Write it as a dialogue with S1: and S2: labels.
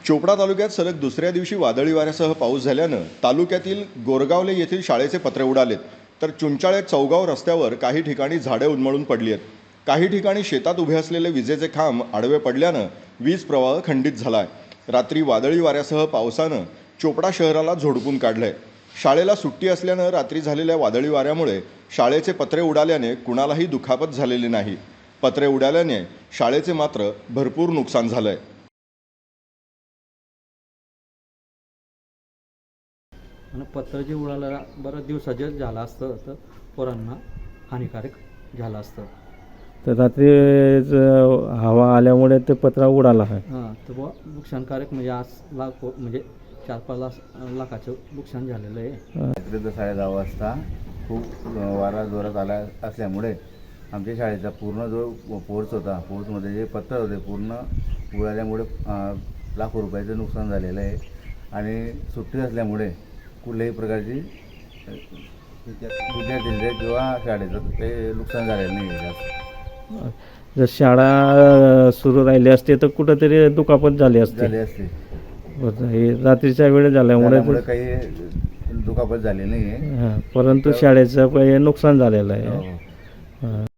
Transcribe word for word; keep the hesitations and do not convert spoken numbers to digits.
S1: चोपडा तालुक्यात सलग दुसऱ्या दिवशी वादळी वाऱ्यासह पाऊस झाल्यानं तालुक्यातील गोरगावले येथील शाळेचे पत्रे उडालेत, तर चुंचाळे चौगाव रस्त्यावर काही ठिकाणी झाडे उन्मळून पडली आहेत. काही ठिकाणी शेतात उभे असलेले विजेचे खांब आडवे पडल्यानं वीज प्रवाह खंडित झाला आहे. रात्री वादळी वाऱ्यासह पावसानं चोपडा शहराला झोडपून काढलंय. शाळेला सुट्टी असल्यानं रात्री झालेल्या वादळी वाऱ्यामुळे शाळेचे पत्रे उडाल्याने कुणालाही दुखापत झालेली नाही. पत्रे उडाल्याने शाळेचे मात्र भरपूर नुकसान झालंय.
S2: आणि पत्र जे उडालं बरं दिवसाचे झालं असतं तर पोरांना हानिकारक झालं असतं.
S3: तर रात्री हवा आल्यामुळे ते पत्रा उडाला आहे.
S2: हां तर बुवा नुकसानकारक म्हणजे आज लाख म्हणजे चार पाच लाख लाखाचं नुकसान झालेलं आहे.
S4: रात्री साडे दहा वाजता खूप वारा जोरात आला असल्यामुळे आमच्या शाळेचा पूर्ण जो पोर्च होता, पोर्चमध्ये जे पत्तर होते पूर्ण उडाल्यामुळे लाखो रुपयाचं नुकसान झालेलं आहे. आणि सुट्टी असल्यामुळे कुठल्याही प्रकारची विद्यार्थ्यांचे किंवा शाळेचं ते नुकसान झालेलं नाही आहे जास्त.
S3: जर शाळा सुरू राहिली असते तर कुठंतरी दुखापत झाली असते
S4: झाली असते
S3: हे रात्रीच्या वेळ झाल्यामुळे
S4: त्यामुळे काही दुखापत झाली नाही आहे.
S3: हां, परंतु शाळेचं नुकसान झालेलं आहे.
S4: हो.
S3: हां.